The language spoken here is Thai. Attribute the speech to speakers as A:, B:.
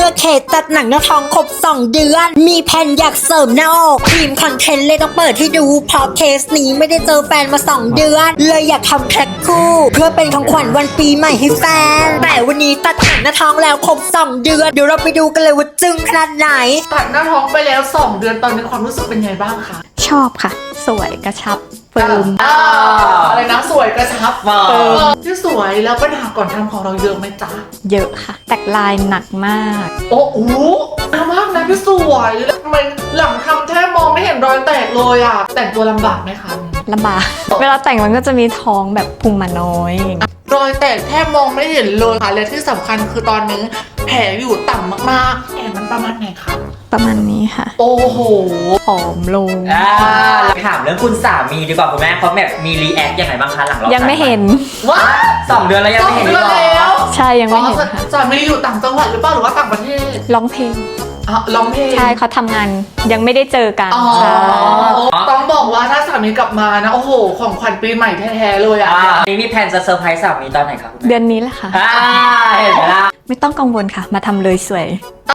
A: อเคสจัดหนังหน้าท้องครบ2 เดือนมีแผนอยากเสริมหน้าอกทีมคอนเทนต์เลยต้องเปิดให้ดูเพราะเคสนี้ไม่ได้เจอแฟนมา2 เดือนเลยอยากทำแพ็คคู่เพื่อเป็นของขวัญวันปีใหม่ให้แฟนแต่วันนี้ตัดหนังหน้าท้องแล้วครบ2 เดือนเดี๋ยวเราไปดูกันเลยว่าจึ้งขนาดไหน
B: ตัดหน้าท้องไปแล้ว2 เดือนตอนนี้ความรู้สึกเป็นไงบ้างคะ
C: ชอบค่ะสวยกระชับเฟิร์ม
B: อะไรนะสวยกระชับเฟิร์มที่สวยแล้วปัญหาก่อนทำของเราเยอะไหมจ๊ะ
C: เยอะค่ะแตกลายหนักมาก
B: โอ้โหมากนะพี่สวยทำไมหลังทำแทบมองไม่เห็นรอยแตกเลยอ่ะแต่งตัวลำบากไหมคะ
C: ลำบากเวลาแต่งมันก็จะมีท้องแบบพุงมาน้อย
B: รอยแตกแทบมองไม่เห็นเลยค่ะและที่สำคัญคือตอนนี้แผลอยู่ต่ำมากๆแผลมันประมาณไหนคะ
C: ประมาณนี้ค่ะ
B: โอ้โห
C: ผอมลง
D: ถามเรื่องคุณสามีดีกว่าคุณแม่เขาแบบมีรีแอคยังไงบ้างคะหลังเรา
C: ยังไม่เห็น
B: ว้า
D: 2 เดือนแล้วยังไม่เห็น
B: แล้ว
C: ใช่ยังไม่เห็นค่ะ
B: สามีอยู่ต่างจังหวัดหรือเปล่าหรือว่าต่างประเทศ
C: ร้องเพลง
B: ร้องเพลง
C: ใช่เขาทำงานยังไม่ได้เจอกัน
B: ใช่ต้องบอกว่าถ้าสามีกลับมานะโอ้โหของขวัญปีใหม่แท้ๆเลยอ่ะ
D: นี่มีแผนจะเซอร์ไพรส์สามีตอนไหนครับ
C: เดือนนี้แหละค่ะ
D: เห็นไหมล่ะ
C: ไม่ต้องกังวลค่ะมาทำเลยสวย